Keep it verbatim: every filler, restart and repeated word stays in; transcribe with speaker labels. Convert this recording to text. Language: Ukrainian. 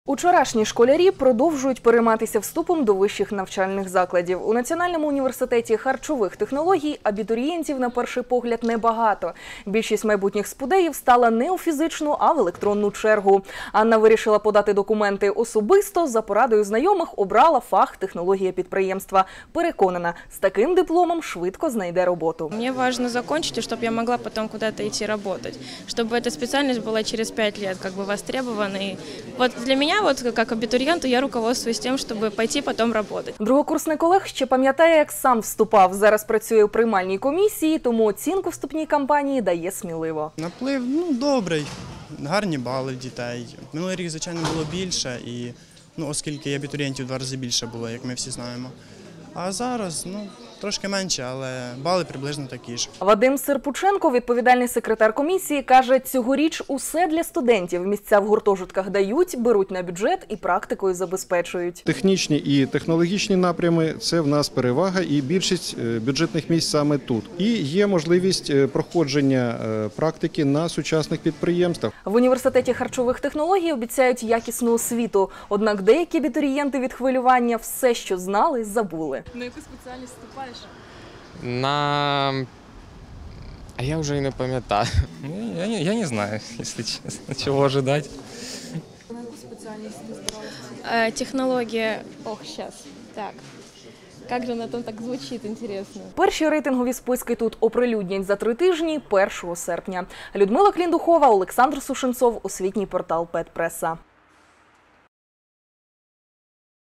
Speaker 1: Учорашні школярі продовжують перейматися вступом до вищих навчальних закладів. У Національному університеті харчових технологій абітурієнтів на перший погляд небагато. Більшість майбутніх спудеїв стала не у фізичну, а в електронну чергу. Анна вирішила подати документи особисто, за порадою знайомих обрала фах технологія підприємства. Переконана, з таким дипломом швидко знайде роботу.
Speaker 2: Мені важливо закінчити, щоб я могла потім кудись йти працювати. Щоб ця спеціальність була через п'ять років как бы востребована. І от для мене вот как абитуриенту я руководствуюсь тем, чтобы пойти потом работать.
Speaker 1: Другокурсник Олег ще пам'ятає, як сам вступав. Зараз працює у приймальній комісії, тому оцінку вступній кампанії дає сміливо.
Speaker 3: Наплив, ну, добрий, гарні бали в дітей. Минулий рік, звичайно, було більше, і, ну, оскільки абітурієнтів в два рази більше було, як ми всі знаємо. А зараз, ну, трошки менше, але бали приблизно такі ж.
Speaker 1: Вадим Серпученко, відповідальний секретар комісії, каже, цьогоріч усе для студентів. Місця в гуртожитках дають, беруть на бюджет і практикою забезпечують.
Speaker 4: Технічні і технологічні напрями – це в нас перевага і більшість бюджетних місць саме тут. І є можливість проходження практики на сучасних підприємствах.
Speaker 1: В університеті харчових технологій обіцяють якісну освіту. Однак деякі абітурієнти від хвилювання все, що знали, забули.
Speaker 2: На яку спеціальність вступаєш?
Speaker 5: На... А я вже і не пам'ятаю.
Speaker 6: Я не, я не знаю, если честно, чего ожидать.
Speaker 2: На яку спеціальність ти збиралася? Технологія... Ох, зараз. Так. Як же вона там так звучить, інтересно.
Speaker 1: Перші рейтингові списки тут оприлюднять за три тижні, першого серпня. Людмила Кліндухова, Олександр Сушенцов, освітній портал Педпреса.